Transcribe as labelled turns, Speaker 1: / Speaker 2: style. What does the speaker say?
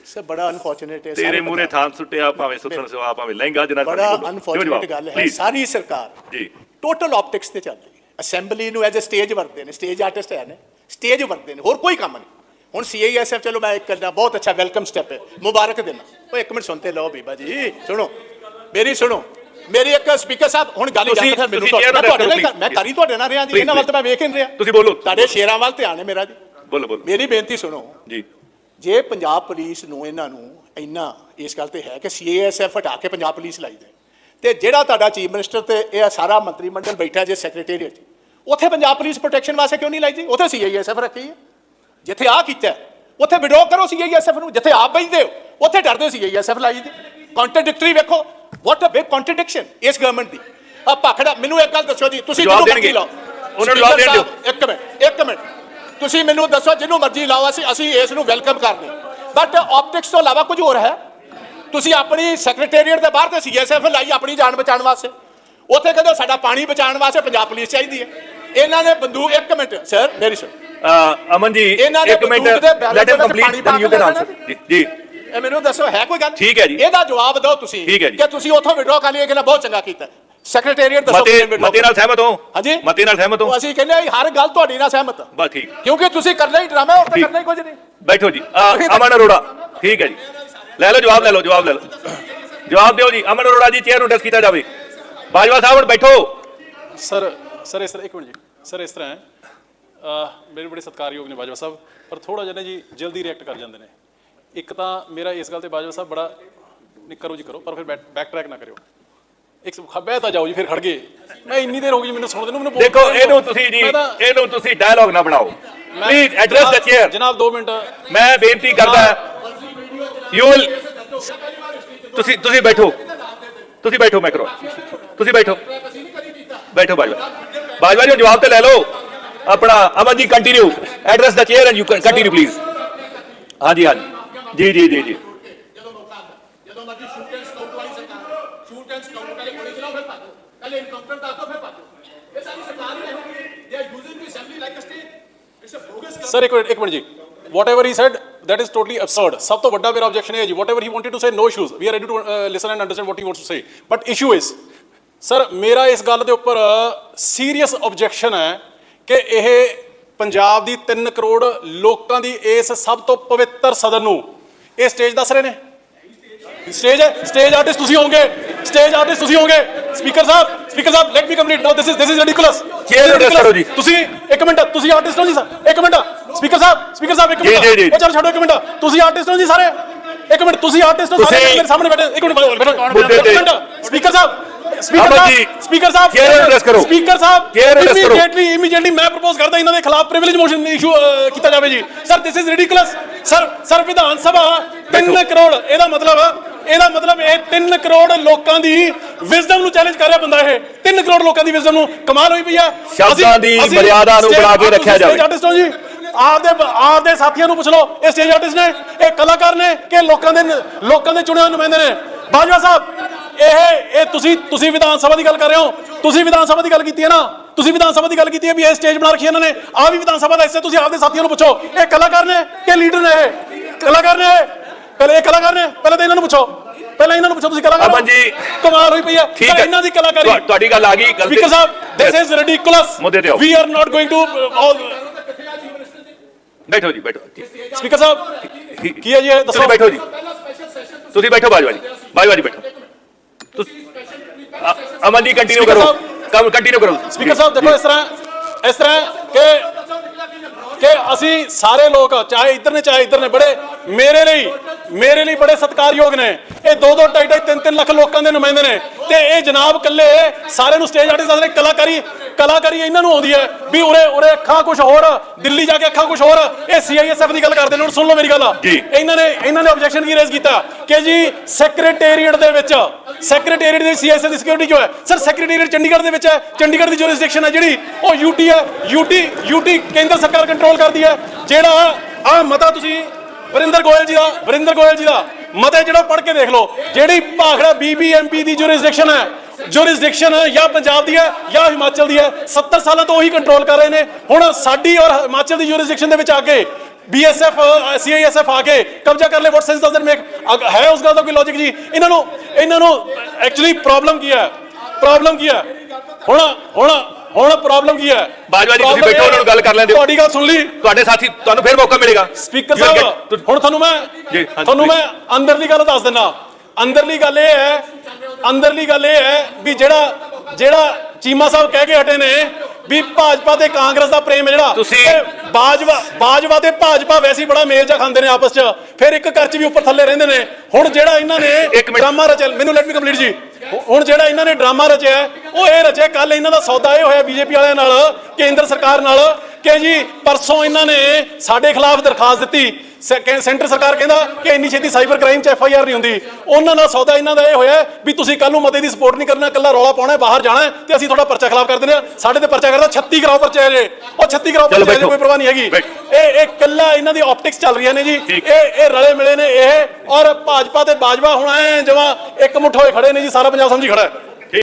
Speaker 1: Sir ਬੜਾ unfortunate ਹੈ
Speaker 2: ਤੇਰੇ ਮੂਹਰੇ ਥਾਂ ਸੁੱਟਿਆ ਭਾਵੇਂ ਸੁੱਟਣ ਸਵਾ ਭਾਵੇਂ ਲਹਿੰਗਾ ਜਨਾ
Speaker 1: ਬੜਾ ਅਨਫੋਰਚੂਨੇਟ ਗੱਲ ਹੈ ਸਾਰੀ ਸਰਕਾਰ
Speaker 2: ਜੀ
Speaker 1: ਟੋਟਲ ਆਪਟਿਕਸ ਤੇ ਚੱਲ ਰਹੀ ਹੈ ਅਸੈਂਬਲੀ ਨੂੰ ਐਜ਼ ਅ ਸਟੇਜ ਵਰਤਦੇ ਨੇ ਸਟੇਜ ਆਰਟਿਸਟ ਹੈ ਨੇ ਸਟੇਜ ਵਰਤਦੇ ਨੇ ਹੋਰ ਕੋਈ ਕੰਮ ਨਹੀਂ ਹੁਣ CISF ਚਲੋ ਮੈਂ ਇੱਕ ਕਰਨਾ ਬਹੁਤ ਅੱਛਾ ਵੈਲਕਮ ਸਟੈਪ ਹੈ ਮੁਬਾਰਕ ਦੇਣਾ ਉਹ ਇੱਕ ਮਿੰਟ ਸੁਣਤੇ ਲਓ ਬੀਬਾ ਜੀ ਸੁਣੋ ਮੇਰੀ ਇੱਕ ਸਪੀਕਰ ਸਾਹਿਬ ਹੁਣ ਗੱਲ ਜਾਂਦਾ ਮੈਨੂੰ ਮੈਂ ਕਰੀ ਤੁਹਾਡੇ ਨਾਲ ਰਿਹਾ ਜੀ ਇਹਨਾਂ ਵੱਲ ਤਾਂ ਮੈਂ ਵੇਖ ਨਹੀਂ ਰਿਹਾ
Speaker 2: ਤੁਸੀਂ ਬੋਲੋ
Speaker 1: ਤੁਹਾਡੇ ਸ਼ੇਰਾਂ ਵੱਲ ਧਿਆਨ ਹੈ ਮੇਰਾ ਜੀ
Speaker 2: ਬੋਲੋ
Speaker 1: ਮੇਰੀ ਬੇਨਤੀ ਸੁਣੋ
Speaker 2: ਜੀ
Speaker 1: ਜੇ ਪੰਜਾਬ ਪੁਲਿਸ ਨੂੰ ਇਹਨਾਂ ਨੂੰ ਇੰਨਾ ਇਸ ਗੱਲ ਤੇ ਹੈ ਕਿ CISF ਹਟਾ ਕੇ ਪੰਜਾਬ ਪੁਲਿਸ ਲਾਈ ਦੇ ਤੇ ਜਿਹੜਾ ਤੁਹਾਡਾ ਚੀਫ ਮਿਨਿਸਟਰ ਤੇ ਇਹ ਸਾਰਾ ਮੰਤਰੀ ਮੰਡਲ ਬੈਠਾ ਜੇ ਸੈਕਟਰੀਏਟ 'ਚ ਉੱਥੇ ਪੰਜਾਬ ਪੁਲਿਸ ਪ੍ਰੋਟੈਕਸ਼ਨ ਵਾਸਤੇ ਕਿਉਂ ਨਹੀਂ ਲਾਈ ਜੀ ਉੱਥੇ CISF ਰੱਖੀ ਹੈ ਜਿੱਥੇ ਆਹ ਕੀਤਾ ਉੱਥੇ ਵਿਡਰੋ ਕਰੋ CISF ਨੂੰ ਜਿੱਥੇ ਆਪ ਬੈਠਦੇ ਹੋ ਉੱਥੇ ਡਰਦੇ CISF ਲਾਈ ਦੀ ਕੰਟਰਡਿਕਟਰੀ ਵੇਖੋ ਵਾਟ ਅ ਬਿਗ ਕੰਟਰਡਿਕਸ਼ਨ ਇਸ ਗਵਰਨਮੈਂਟ ਦੀ ਆ ਭਾਖੜਾ ਮੈਨੂੰ ਇੱਕ ਗੱਲ ਦੱਸੋ ਜੀ ਤੁਸੀਂ ਜਿਹਨੂੰ ਮਰਜ਼ੀ ਲਾਓ ਉਹਨਾਂ ਨੂੰ ਜਵਾਬ ਦੇਣ ਇੱਕ ਮਿੰਟ ਤੁਸੀਂ ਮੈਨੂੰ ਦੱਸੋ ਜਿਹਨੂੰ ਮਰਜ਼ੀ ਲਾਓ ਅਸੀਂ ਇਸ ਨੂੰ ਵੈਲਕਮ ਕਰਦੇ ਬਟ ਆਪਟਿਕਸ ਤੋਂ ਇਲਾਵਾ ਕੁਝ ਹੋਰ ਹੈ ਤੁਸੀਂ ਆਪਣੀ ਸੈਕਟਰੀਏਟ ਦੇ ਬਾਹਰ ਤੇ CISF ਲਾਈ ਆਪਣੀ ਜਾਨ ਬਚਾਉਣ ਵਾਸਤੇ ਉੱਥੇ ਕਹਿੰਦੇ ਸਾਡਾ ਪਾਣੀ ਬਚਾਉਣ ਵਾਸਤੇ ਪੰਜਾਬ ਪੁਲਿਸ ਚਾਹੀਦੀ ਹੈ ਇਹਨਾਂ ਨੇ ਬੰਦੂਕ ਇੱਕ ਮਿੰਟ ਸਰ ਮੇਰੀ ਸੁਣ
Speaker 2: ਅਮਨ ਜੀ ਇੱਕ minute let him complete then you can answer ਜੀ
Speaker 1: ਇਹ ਮੈਨੂੰ ਦੱਸੋ ਹੈ ਕੋਈ ਗੱਲ
Speaker 2: ਠੀਕ ਹੈ ਜੀ
Speaker 1: ਇਹਦਾ ਜਵਾਬ ਦਿਓ ਤੁਸੀਂ ਕਿ ਤੁਸੀਂ ਉੱਥੋਂ ਵਿਡਰੋ ਕਰ ਲਿਆ ਕਿ ਨਾ ਬਹੁਤ ਚੰਗਾ ਕੀਤਾ ਸੈਕਟਰੀਏਟ ਦੱਸੋ
Speaker 2: ਮਤੇ ਨਾਲ ਸਹਿਮਤ ਹੋ
Speaker 1: ਹਾਂਜੀ
Speaker 2: ਮਤੇ ਨਾਲ ਸਹਿਮਤ ਹੋ
Speaker 1: ਅਸੀਂ ਕਹਿੰਦੇ ਹਰ ਗੱਲ ਤੁਹਾਡੀ ਨਾਲ ਸਹਿਮਤ
Speaker 2: ਬਸ ਠੀਕ
Speaker 1: ਕਿਉਂਕਿ ਤੁਸੀਂ ਕਰਨਾ ਹੀ ਡਰਾਮਾ ਹੋਰ ਤਾਂ ਕਰਨਾ ਹੀ ਕੁਝ ਨਹੀਂ
Speaker 2: ਬੈਠੋ ਜੀ ਅਮਨ ਅਰੋੜਾ ਠੀਕ ਹੈ ਜੀ ਲੈ ਲਓ ਜਵਾਬ ਜਵਾਬ ਦਿਓ ਜੀ ਅਮਨ ਅਰੋੜਾ ਜੀ ਚੇਅਰ ਨੂੰ ਡਿਸਕ ਕੀਤਾ ਜਾਵੇ ਬਾਜਵਾ ਸਾਹਿਬ ਹੁਣ ਬੈਠੋ
Speaker 3: ਸਰ ਇਸ ਤਰ੍ਹਾਂ ਇੱਕ ਮਿੰਟ ਜੀ ਸਰ ਇਸ ਤਰ੍ਹਾਂ ਹੈ ਮੇਰੇ ਬੜੇ ਸਤਿਕਾਰਯੋਗ ਨੇ ਬਾਜਵਾ ਸਾਹਿਬ ਪਰ ਥੋੜਾ ਜਿਹਾ ਜੀ ਜਲਦੀ ਰਿਐਕਟ ਕਰ ਜਾਂਦੇ ਨੇ ਇੱਕ ਤਾਂ ਮੇਰਾ ਇਸ ਗੱਲ ਤੇ ਬਾਜਵਾ ਸਾਹਿਬ ਬੜਾ ਨਹੀਂ ਕਰੋ ਜੀ ਕਰੋ ਪਰ ਫਿਰ ਬੈਕ ਟਰੈਕ ਨਾ ਕਰਿਓ ਇੱਕ ਖੱਬੇ ਤਾਂ ਜਾਓ ਜੀ ਫਿਰ ਖੜ ਗਏ ਮੈਂ ਇੰਨੀ ਦੇਰ ਹੋ ਗਈ ਮੈਨੂੰ ਸੁਣਦੇ ਨੂੰ ਮੈਨੂੰ
Speaker 2: ਦੇਖੋ ਇਹਨੂੰ ਤੁਸੀਂ ਡਾਇਲੌਗ ਨਾ ਬਣਾਓ ਪਲੀਜ਼ ਐਡਰੈਸ ਦ ਚੇਅਰ
Speaker 3: ਜਨਾਬ 2 ਮਿੰਟ
Speaker 2: ਮੈਂ ਬੇਨਤੀ ਕਰਦਾ ਯੂ ਵਿਲ ਤੁਸੀਂ ਬੈਠੋ ਮੈਂ ਕਰੋ ਤੁਸੀਂ ਬੈਠੋ ਬਾਜਵਾ ਜੀ ਜਵਾਬ ਤੇ ਲੈ ਲਓ ਆਪਣਾ Aman ji continue address the chair and you continue please ਹਾਂਜੀ ਜੀ
Speaker 1: ਜਦੋਂ ਮਰਜ਼ੀ ਸ਼ੂਟ ਐਂਡ ਸਕਾਊਟ ਵਾਲੀ ਸਰਕਾਰ ਸ਼ੂਟ ਐਂਡ ਸਕਾਊਟ ਪਹਿਲੇ ਗੋਲੀ ਚਲਾਓ ਫਿਰ ਭਾਜੋ ਪਹਿਲੇ ਇਨਕਾਊਂਟਰ ਦੱਸ ਦਿਓ ਫਿਰ ਭਾਜੋ ਇਹ ਸਾਰੀ ਸਰਕਾਰ ਹੀ ਹੈ they are using the assembly like a state it's a bogus
Speaker 3: sir ਇੱਕ ਮਿੰਟ ਜੀ whatever he said that is totally absurd ਸਭ ਤੋਂ ਵੱਡਾ ਮੇਰਾ objection ਹੈ ਜੀ whatever he wanted to say no issues we are ready to listen and understand what he wants to say but issue is sir ਮੇਰਾ ਇਸ ਗੱਲ ਦੇ ਉੱਪਰ ਸੀਰੀਅਸ objection ਹੈ ਕਿ ਇਹ ਪੰਜਾਬ ਦੀ 3 ਕਰੋੜ ਲੋਕਾਂ ਦੀ ਇਸ ਸਭ ਤੋਂ ਪਵਿੱਤਰ ਸਦਨ ਨੂੰ ਇਹ ਸਟੇਜ ਦੱਸ ਰਹੇ ਨੇ ਸਟੇਜ ਆਰਟਿਸਟ ਤੁਸੀਂ ਹੋਵੋਗੇ ਸਪੀਕਰ ਸਾਹਿਬ let me complete now this is ridiculous ਤੁਸੀਂ ਇੱਕ ਮਿੰਟ ਤੁਸੀਂ ਆਰਟਿਸਟ ਹੋ ਜੀ ਸਰ ਇੱਕ ਮਿੰਟ ਸਪੀਕਰ ਸਾਹਿਬ ਇੱਕ ਮਿੰਟ ਇਹ ਚਲੋ ਛੱਡੋ ਇੱਕ ਮਿੰਟ ਤੁਸੀਂ ਆਰਟਿਸਟ ਹੋ ਜੀ ਸਾਰੇ ਇੱਕ ਮਿੰਟ ਤੁਸੀਂ ਆਰਟਿਸਟ ਹੋ ਸਾਰੇ ਮੇਰੇ ਸਾਹਮਣੇ ਬੈਠੇ ਇੱਕ ਮਿੰਟ ਸਪੀਕਰ ਸਾਹਿਬ ਇਮੀਡੀਏਟਲੀ ਮੈਂ ਪ੍ਰਪੋਜ਼ ਕਰਦਾ ਇਹਨਾਂ ਦੇ ਖਿਲਾਫ ਪ੍ਰਿਵਿਲੇਜ ਮੋਸ਼ਨ ਇਸ਼ੂ ਕੀਤਾ ਜਾਵੇ ਜੀ sir this is ridiculous sir Vidhan Sabha 3 crore ਇਹਦਾ ਮਤਲਬ ਇਹ 3 ਕਰੋੜ ਲੋਕਾਂ ਦੀ ਵਿਜ਼ਡਮ ਨੂੰ ਚੈਲੰਜ ਕਰ ਰਿਹਾ ਬੰਦਾ ਇਹ 3 ਕਰੋੜ ਲੋਕਾਂ ਦੀ ਵਿਜ਼ਡਮ ਨੂੰ ਕਮਾਲ ਹੋਈ ਪਈ ਆ
Speaker 2: ਸ਼ਬਦਾਂ ਦੀ ਮਰਿਆਦਾ ਨੂੰ ਬਣਾ ਕੇ ਰੱਖਿਆ ਜਾਵੇ
Speaker 3: ਆਰਟਿਸਟ ਹੋ ਜੀ ਆਪਦੇ ਸਾਥੀਆਂ ਨੂੰ ਪੁੱਛ ਲਓ ਇਹ ਸਟੇਜ ਆਰਟਿਸਟ ਨੇ ਇਹ ਕਲਾਕਾਰ ਨੇ ਕਿ ਲੋਕਾਂ ਦੇ ਚੁਣੇ ਹੋਏ ਨੁਮਾਇੰਦੇ ਨੇ ਬਾਜਵਾ ਸਾਹਿਬ ਇਹ ਤੁਸੀਂ ਵਿਧਾਨ ਸਭਾ ਦੀ ਗੱਲ ਕਰ ਰਹੇ ਹੋ ਤੁਸੀਂ ਵਿਧਾਨ ਸਭਾ ਦੀ ਗੱਲ ਕੀਤੀ ਹੈ ਨਾ ਵੀ ਇਹ ਸਟੇਜ ਬਣਾ ਰੱਖੀ ਇਹਨਾਂ ਨੇ ਆ ਵੀ ਵਿਧਾਨ ਸਭਾ ਦਾ ਹਿੱਸਾ ਤੁਸੀਂ ਆਪਦੇ ਸਾਥੀਆਂ ਨੂੰ ਪੁੱਛੋ ਇਹ ਕਲਾਕਾਰ ਨੇ ਕਿ ਲੀਡਰ ਨੇ ਪਹਿਲੇ ਤਾਂ ਇਹਨਾਂ ਨੂੰ ਪੁੱਛੋ ਤੁਸੀਂ ਕਲਾਕਾਰ
Speaker 2: ਅਮਨ ਜੀ
Speaker 3: ਕਮਾਲ ਹੋਈ ਪਈ ਹੈ ਇਹਨਾਂ ਦੀ ਕਲਾਕਾਰੀ
Speaker 2: ਤੁਹਾਡੀ ਗੱਲ ਆ ਗਈ
Speaker 3: ਸਪੀਕਰ ਸਾਹਿਬ this is ridiculous we are not going to
Speaker 2: ਬੈਠੋ ਜੀ
Speaker 3: ਸਪੀਕਰ ਸਾਹਿਬ ਕੀ ਹੈ ਜੀ ਇਹ ਦੱਸੋ
Speaker 2: ਬੈਠੋ ਜੀ ਤੁਸੀਂ ਬੈਠੋ ਬਾਜਵਾ ਜੀ ਬੈਠੋ ਅਮਨ ਜੀ ਕੰਟੀਨਿਊ ਕਰੋ
Speaker 3: ਸਪੀਕਰ ਸਾਹਿਬ ਦੇਖੋ ਇਸ ਤਰ੍ਹਾਂ ਕਿ ਅਸੀਂ ਸਾਰੇ ਲੋਕ ਚਾਹੇ ਇੱਧਰ ਨੇ ਬੜੇ ਮੇਰੇ ਲਈ ਬੜੇ ਸਤਿਕਾਰਯੋਗ ਨੇ ਇਹ 2-2 2.5 3 ਲੱਖ ਲੋਕਾਂ ਦੇ ਨੁਮਾਇੰਦੇ ਨੇ ਤੇ ਇਹ ਜਨਾਬ ਕੱਲੇ ਸਾਰਿਆਂ ਨੂੰ ਸਟੇਜ ਆਰਟਿਸਟ ਦੱਸਦੇ ਕਲਾਕਾਰੀ ਇਹਨਾਂ ਨੂੰ ਆਉਂਦੀ ਹੈ ਵੀ ਉਰੇ ਅੱਖਾਂ ਕੁਝ ਹੋਰ ਦਿੱਲੀ ਜਾ ਕੇ ਅੱਖਾਂ ਕੁਝ ਹੋਰ ਇਹ CISF ਦੀ ਗੱਲ ਕਰਦੇ ਨੇ ਹੁਣ ਸੁਣ ਲਓ ਮੇਰੀ ਗੱਲ ਇਹਨਾਂ ਨੇ ਆਬਜੈਕਸ਼ਨ ਕੀ ਰੇਜ਼ ਕੀਤਾ ਕਿ ਜੀ ਸੈਕਟਰੀਏਟ ਦੀ CISF ਦੀ ਸਿਕਿਉਰਿਟੀ ਕਿਉਂ ਹੈ ਸਰ ਸੈਕਟਰੀਏਟ ਚੰਡੀਗੜ੍ਹ ਦੇ ਵਿੱਚ ਹੈ ਚੰਡੀਗੜ੍ਹ ਦੀ ਜੁਰਿਸਡਿਕਸ਼ਨ ਹੈ ਜਿਹੜੀ ਉਹ ਯੂਟੀ ਕੇਂਦਰ ਸਰਕਾਰ ਕੰਟਰੋਲ ਕਰਦੀ ਹੈ ਜਿਹੜਾ ਆ ਮਤਾ ਤੁਸੀਂ ਵਰਿੰਦਰ ਗੋਇਲ ਜੀ ਦਾ ਮਤੇ ਜਿਹੜਾ ਪੜ੍ਹ ਕੇ ਦੇਖ ਲਓ ਜਿਹੜੀ ਭਾਖੜਾ BBMP ਦੀ ਜੁਰਿਸਡਿਕਸ਼ਨ ਜਾਂ ਪੰਜਾਬ ਦੀ ਹੈ ਜਾਂ ਹਿਮਾਚਲ ਦੀ ਹੈ 70 ਸਾਲਾਂ ਤੋਂ ਉਹੀ ਕੰਟਰੋਲ ਕਰ ਰਹੇ ਨੇ ਹੁਣ ਸਾਡੀ ਔਰ ਹਿਮਾਚਲ ਦੀ ਜੁਰਿਸਡਿਕਸ਼ਨ ਦੇ ਵਿੱਚ ਆ ਕੇ BSF CISF ਆके ਕਬਜ਼ਾ ਕਰ ਲੇ, what sense does it make? ਹੈ ਉਸ ਗੱਲ ਦਾ ਕੋਈ ਲੌਜੀਕ ਜੀ? ਇਹਨਾਂ ਨੂੰ ਐਕਚੁਅਲੀ ਪ੍ਰੋਬਲਮ ਕੀ ਹੈ? ਹੁਣ ਪ੍ਰੋਬਲਮ ਕੀ ਹੈ?
Speaker 2: ਬਾਜਵਾ ਜੀ ਤੁਸੀਂ ਬੈਠੋ, ਉਹਨਾਂ ਨੂੰ ਗੱਲ ਕਰ ਲੈਂਦੇ।
Speaker 3: ਤੁਹਾਡੀ ਗੱਲ ਸੁਣ ਲਈ,
Speaker 2: ਤੁਹਾਡੇ ਸਾਥੀ, ਤੁਹਾਨੂੰ ਫਿਰ ਮੌਕਾ ਮਿਲੇਗਾ।
Speaker 3: ਸਪੀਕਰ ਸਾਹਿਬ ਹੁਣ ਤੁਹਾਨੂੰ ਮੈਂ ਅੰਦਰਲੀ ਗੱਲ ਦੱਸ ਦਿੰਦਾ। ਅੰਦਰਲੀ ਗੱਲ ਇਹ ਹੈ ਵੀ ਜਿਹੜਾ ਚੀਮਾ ਸਾਹਿਬ ਕਹਿ ਕੇ ਹਟੇ ਨੇ ਵੀ ਭਾਜਪਾ ਤੇ ਕਾਂਗਰਸ ਦਾ ਪ੍ਰੇਮ ਹੈ ਜਿਹੜਾ,
Speaker 2: ਤੁਸੀਂ
Speaker 3: ਬਾਜਵਾ ਤੇ ਭਾਜਪਾ ਵੈਸੇ ਹੀ ਬੜਾ ਮੇਲ ਜਾ ਖਾਂਦੇ ਨੇ ਆਪਸ ਚ, ਫਿਰ ਇੱਕ ਘਰ ਚ ਵੀ ਉੱਪਰ ਥੱਲੇ ਰਹਿੰਦੇ ਨੇ। ਹੁਣ ਜਿਹੜਾ ਇਹਨਾਂ ਨੇ ਡਰਾਮਾ ਰਚਿਆ, ਮੈਨੂੰ ਲੈਟ ਮੀ ਕੰਪਲੀਟ ਜੀ, ਹੁਣ ਜਿਹੜਾ ਇਹਨਾਂ ਨੇ ਡਰਾਮਾ ਰਚਿਆ ਉਹ ਇਹ ਰਚਿਆ, ਕੱਲ ਇਹਨਾਂ ਦਾ ਸੌਦਾ ਇਹ ਹੋਇਆ ਬੀਜੇਪੀ ਵਾਲਿਆਂ ਨਾਲ, ਕੇਂਦਰ ਸਰਕਾਰ ਨਾਲ, ਕਿ ਜੀ ਪਰਸੋਂ ਇਹਨਾਂ ਨੇ ਸਾਡੇ ਖਿਲਾਫ ਦਰਖਾਸਤ ਦਿੱਤੀ, ਸੈਂਟਰ ਸਰਕਾਰ ਕਹਿੰਦਾ ਕਿ ਇੰਨੀ ਛੇਤੀ ਸਾਈਬਰ ਕ੍ਰਾਈਮ ਚ FIR ਨਹੀਂ ਹੁੰਦੀ। ਉਹਨਾਂ ਨਾਲ ਸੌਦਾ ਇਹਨਾਂ ਦਾ ਇਹ ਹੋਇਆ ਵੀ ਤੁਸੀਂ ਕੱਲ ਨੂੰ ਮਤੇ ਦੀ ਸਪੋਰਟ ਨਹੀਂ ਕਰਨਾ, ਕੱਲਾ ਰੌਲਾ ਪਾਉਣਾ, ਬਾਹਰ ਜਾਣਾ ਤੇ ਅਸੀਂ ਤੁਹਾਡਾ ਪਰਚਾ ਖਿਲਾਫ ਕਰ ਦਿੰਦੇ ਆ। ਸਾਡੇ ਤੇ ਪਰਚਾ ਕਰਦਾ 36 ਕਰਾਓ ਪਰਚੇ ਜੇ, ਉਹ 36 ਕਰਾਓ ਪਰਚੇ ਕੋਈ ਪਰਵਾਹ ਨਹੀਂ ਹੈਗੀ। ਇਹ ਕੱਲਾ ਇਹਨਾਂ ਦੀ ਆਪਟਿਕਸ ਚੱਲ ਰਹੀਆਂ ਨੇ ਜੀ, ਇਹ ਰਲੇ ਮਿਲੇ ਨੇ ਇਹ, ਔਰ ਭਾਜਪਾ ਤੇ ਬਾਜਵਾ ਹੁਣ ਐ ਜਮਾਂ ਇੱਕ ਮੁੱਠ ਹੋਏ ਖੜੇ ਨੇ ਜੀ, ਸਾਰਾ ਪੰਜਾਬ ਸਮਝੀ ਖੜਾ ਹੈ।